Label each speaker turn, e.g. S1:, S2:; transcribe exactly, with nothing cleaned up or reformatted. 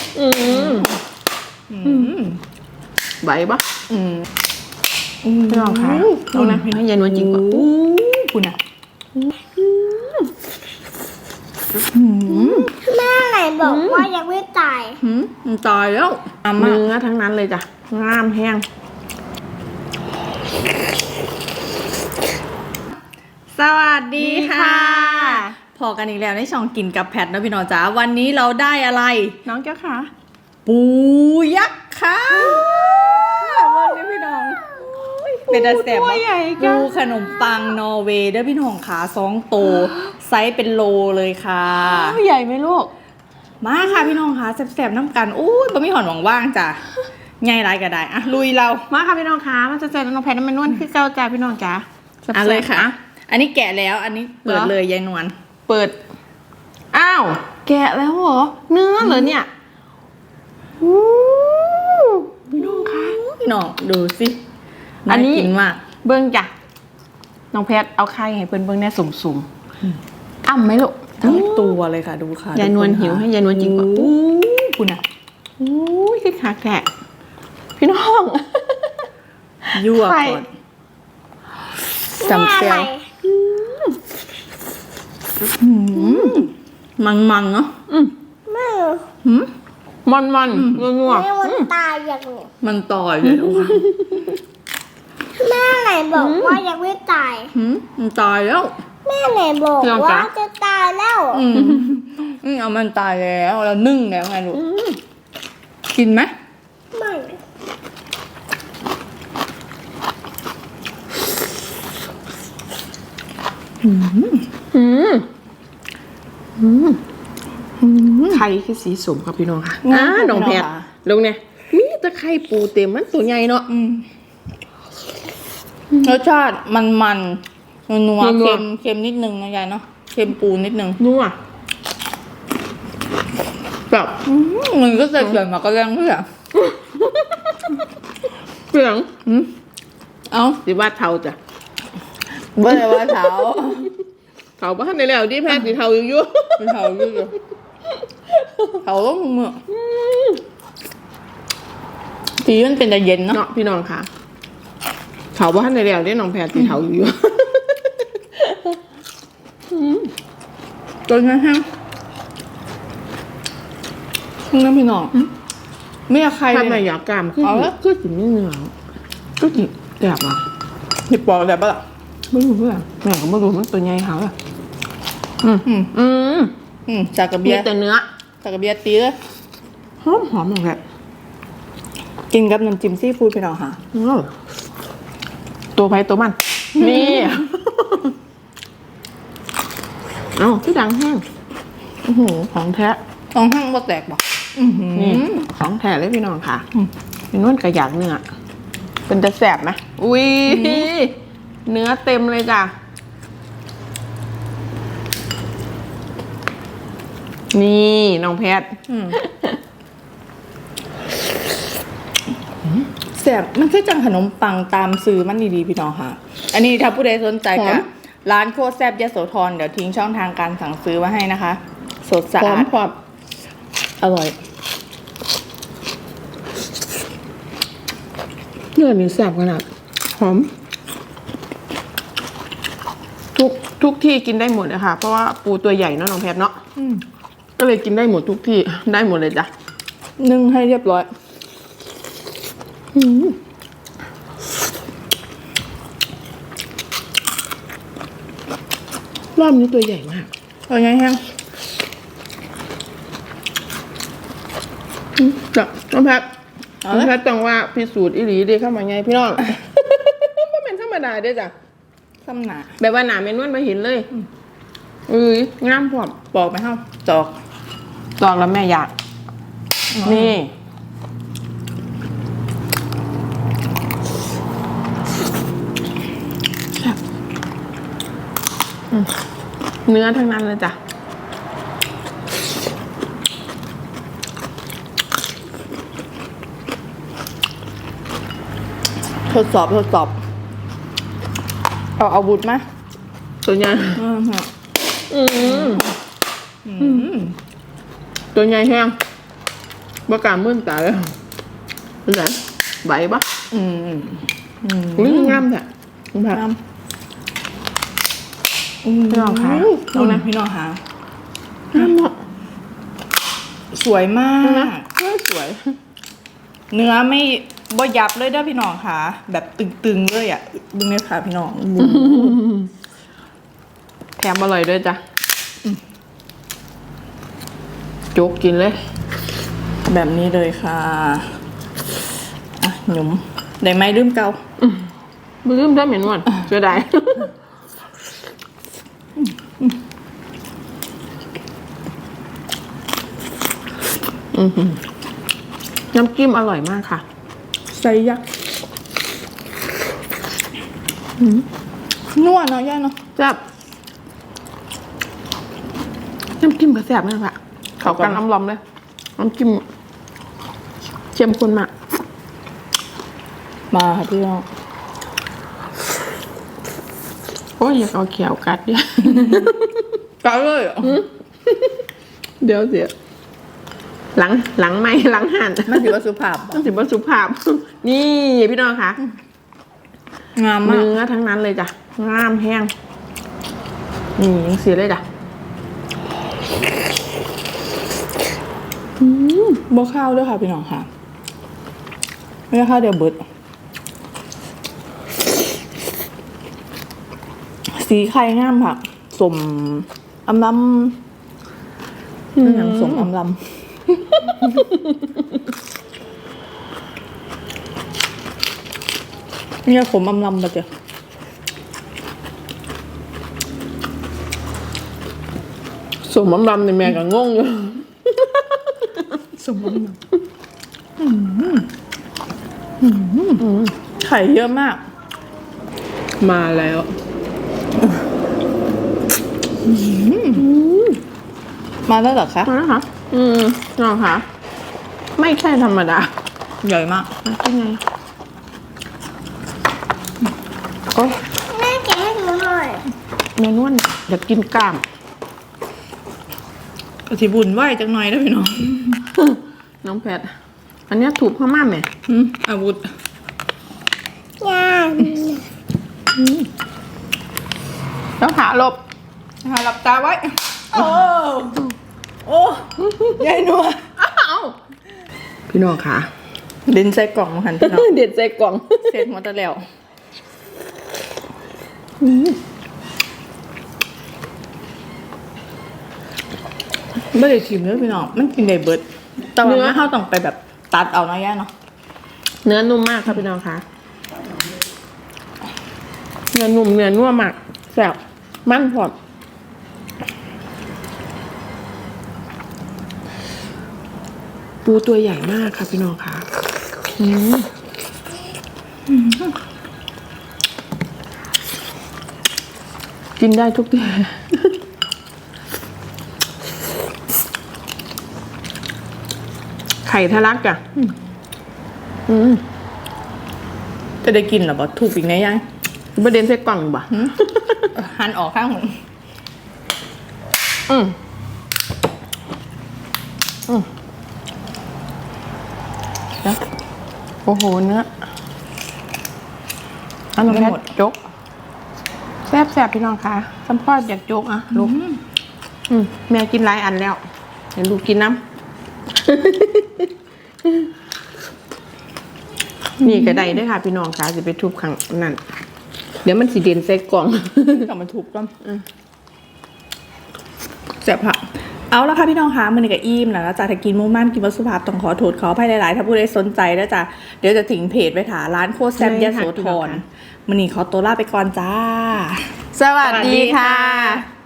S1: อืมอืมไหวปะอืมไม่ลองค่ะลองนะให้ยายนวลจริงกว่าคุณอ่ะ
S2: แม่ไหนบอกว่ายังไม่ตาย
S1: มันตายแล้วเนื้อทั้งนั้นเลยจ้ะงามแห้งสวัสดีค่ะพอกันอีกแล้วในช่องกินกับแพทนะพี่น้องจ๋าวันนี้เราได้อะไรน้องเจ้าค่ะปูยักษ์ค่ะวันนี้พี่น้องเป็นอาแสบปูขนมปังนอร์เวย์เด้อพี่น้องขาสองโตไซส์เป็นโลเลยค่ะใหญ่ไหมลูกมาค่ะพี่น้องค่ะแสบๆน้ำกันอู้ยบะหมี่หอนหวังว่างจ้ะไงไรก็ได้อะลุยเรามาค่ะพี่น้องค่ะมันจะเจอน้องแพทน้ำมันนวลคือเจ้าจ้าพี่น้องจ๋าอ่ะเลยค่ะอันนี้แกะแล้วอันนี้เปิดเลยยายนวลเปิดอ้าวแกะแล้วเหรอเนื้อเหรอเนี่ยพี่น้องค่ะพี่น้องดูสิอันนี้กินมากเบิ้งจ้ะน้องแพทเอาไข่ให้เพิ่นเบิ้งแน่สุ่มๆอ้ำไหมลูกทั้งตัวเลยค่ะดูค่ะยายนวลหิวให้ยายนวลจริงกว่าคุณอ่ะอู้ยคือคักแท้พี่น้องยั่วก่อนจำเซียวมันมันเนาะ
S2: แม่
S1: มันมันงัวงัว
S2: มันตายอย่างนี้
S1: มันต่อยเลย
S2: แม่ไหนบอกว่ายังไม่ตาย
S1: มันตายแล้ว
S2: แม่ไหนบอกว่าจะตายแล้ว
S1: อืมเอามันตายแล้วแล้วนึ่งแล้วไงลูกกินไหม
S2: ไม่
S1: อืมอืมอืมไข่คือสีสมครับพี่น้องค่ะอ่าน้องแพทลงเนี่ยมีตะไคร่ปูเต็มมันตัวใหญ่เนาะรสชาติมันมันนัวเค็มเค็มนิดนึงนะยายเนาะเค็มปูนิดนึงนัวแบบมันก็จะเกลือมาก็แรงเพื่อเปลืองเอ้าสิว่าเทาจ้ะไม่ได้ว่าเทาเทาบ้านในแล้วที่แพทย์สีเทาอยู่ยุ่งเทาอยู่เทาต้องมือทีมันเป็นแต่เย็นเนาะพี่น้องค่ะเทาบ้านในแล้วที่น้องแพทย์สีเทาอยู่ตัวนั้นฮะน้ำพี่น้องไม่อยากใครทำไมอยากกามขึ้นก็กินไม่เหนื่อยก็กินแกบอ่ะหยิบปอกแกบปะล่ะไม่รู้เพื่อนแม่ก็ไม่รู้มันตัวใหญ่เขาอะอืมอืมอืมอืมจากกระเบียแต่เนื้อจากกระเบียตีเลยหอมหอมอย่างแบบกินกับน้ำจิ้มซีฟู้ดพี่น้องค่ะตัวไผ่ตัวมันนี่เอ้าที่ดังแห้งโอ้โหของแท้ของแห้งบ่แตกบ่นี่ของแท้เลยพี่น้องค่ะเป็นนวลกระยากเนื้อเป็นจะแสบไหมอุ้ยเนื้อเต็มเลยจ้ะนี่น้องแพทแสบมันคือจังขนมปังตามซื้อมันดีๆพี่น้องค่ะอันนี้ถ้าผู้ใดสนใจกับร้านโคตรแซ่บยโสธรเดี๋ยวทิ้งช่องทางการสั่งซื้อไว้ให้นะคะสดสะอาดความอร่อยเนื้อมีแซ่บขนาดหอมทุกทุกที่กินได้หมดเลยค่ะเพราะว่าปูตัวใหญ่เนาะน้องแพทเนาะก็เลยกินได้หมดทุกที่ได้หมดเลยจ้ะนึ่งให้เรียบร้อยรอบนี้ตัวใหญ่มากตัวใหญ่แห้งจ้ะน้องแพทน้องแพทจังว่าพิสูจน์อีหลีดีเข้ามาไงพี่น้องไม่เป็นธรรมดาด้วยจ้ะธรรมดาแบบว่าหนาเมนวลมาเห็นเลยเอ้ยงามพอปอกไหมครับจอกจอกแล้วแม่อยากนี่เนื้อทั้งนั้นเลยจ้ะทดสอบทดสอบเอาอาวุธไหมตัวใหญ่ตัวใหญ่แห้ง
S3: บ่กล้ามื่นตาเลยเป็นไงไหวปะ
S1: อืมอืม
S3: อุ้ยงามแท้คุณผัก
S1: น้ำอืม
S3: พี่น้องคะ
S1: ดูนะพี่น้องคะ
S3: งามเนาะ
S1: สวยมาก
S3: เออสวย
S1: เนื้อไม่บ่ยับเลยเด้อพี่น้องค่ะ แบบตึงๆเลยอ่ะดึงเลยค่ะพี่น้อง
S3: แถมอร่อยด้วยจ้ะโจ๊กกินเลย
S1: แบบนี้เลยค่ะอ่ะหยุมได้ไหมลืมเกา
S3: มือเริ่มได้เหม็นหวานเสียดายอือหือน้ำจิ้มอร่อยมากค่ะ
S1: ใส่ยักษ์นัวเนาะย่าเนาะ
S3: แซ่บน้ำจิ้มก็แซ่บมากค่ะเขากันอำลอมเลยน้ำจิ้มเข้มข้นมาก
S1: มาค่ะพี่น้อง
S3: โอ้ยอยากเอาเขียวกัดเนี่ย
S1: เกาเลยเหรอ
S3: เดี๋ยวเสียหลังหลังไม่หลังหัน
S1: มันถือว่าสุภาพ
S3: มันถือว่าสุภาพ นี่พี่น้องคะ
S1: งามมาก
S3: เนื้อทั้งนั้นเลยจ้ะงามแห้งนี่ยังเสียเลยจ้ะ
S1: บ่ข้าวด้วยค่ะพี่น้องค่ะไม่ใช่ข้าวเดียวเบิดสีไข่งามค่ะสมอำลำเป็นอย่างสมอำลำเนี่ยขมอำลำปะเจ้า
S3: สมน้ำดำในแม่ก็งงอยู่
S1: สมอำลำไข่เยอะมาก
S3: มาแล้ว
S1: มาแล้วเหรอคะ
S3: มาแล้วค่ะอืมน้องคะไม่ใช่ธรรมดา
S1: ใหญ่มาก
S3: เป็นไงโอ้ย
S2: แม่แกะให้หนูหน่อย
S3: แม่นวลอยากกินกล้าม
S1: กะทิบุญไหวจังหน่อยนะพี่น้อง
S3: น้องแพทอันเนี้ยถูกพม่าไหม
S1: อืมอาวุธ
S2: ย่า
S3: แล้วขาหลบ
S1: นะคะหลับตาไว้ โอ้โอ้ยายนัว
S3: อ้าวพี่น้องคะ
S1: ดินใส่กล่องมาหันพี่น้อง
S3: เด็ดใจกล่อง
S1: เสร็จหมดแล้วไม่ได้ชิมเลยพี่น้องมันกินได้เบิดแต่ว่าไม่เข้าต้องไปแบบตัดเอานะย่าเนาะ
S3: เนื้อนุ่มมากครับพี่น้องคะเนื้อนุ่มเนื้อนุ่มมากแซ่บมันพอดปูตัวใหญ่มากค่ะพี่น้องคะอืมกินได้ทุกที่ ไข่ทะลักจ้ะอืม
S1: จะได้กินเหรอบ่ถูกอีกไงย่า
S3: ประเด็นใส่กล่องบ่ะ
S1: หันออกข้างหนึ่ง
S3: อืมอืมเดี๋ยวโอ้โหเนื้ออันนี้หมดจกแซ่บแซ่บพี่น้องคะสัมพอดอยากจกอ่ะลูกอืมแม่กินหลายอันแล้วเห็นลูกกินน้ำ นี่ก็ได้ด้วยค่ะพี่น้องคะจะไปทุบขังนั่นเดี๋ยวมันสีเด่นใส่กล่อง
S1: กลับมาถูกต้องเสียบผักเอาละค่ะพี่น้องคะมือนี้กับอิ่มแล้วนะจ๊ะถ้ากินหมูมันกินวัสสุภาพต้องขอโทษขออภัยหลายๆถ้าผู้ใดสนใจนะจ๊ะเดี๋ยวจะถึงเพจไปถาร้านโคตรแซ่บยะโสธรมือนี้ขอตัวลาไปก่อนจ้า
S3: สวัสดีค่ะ
S1: สวัสดีค่ะ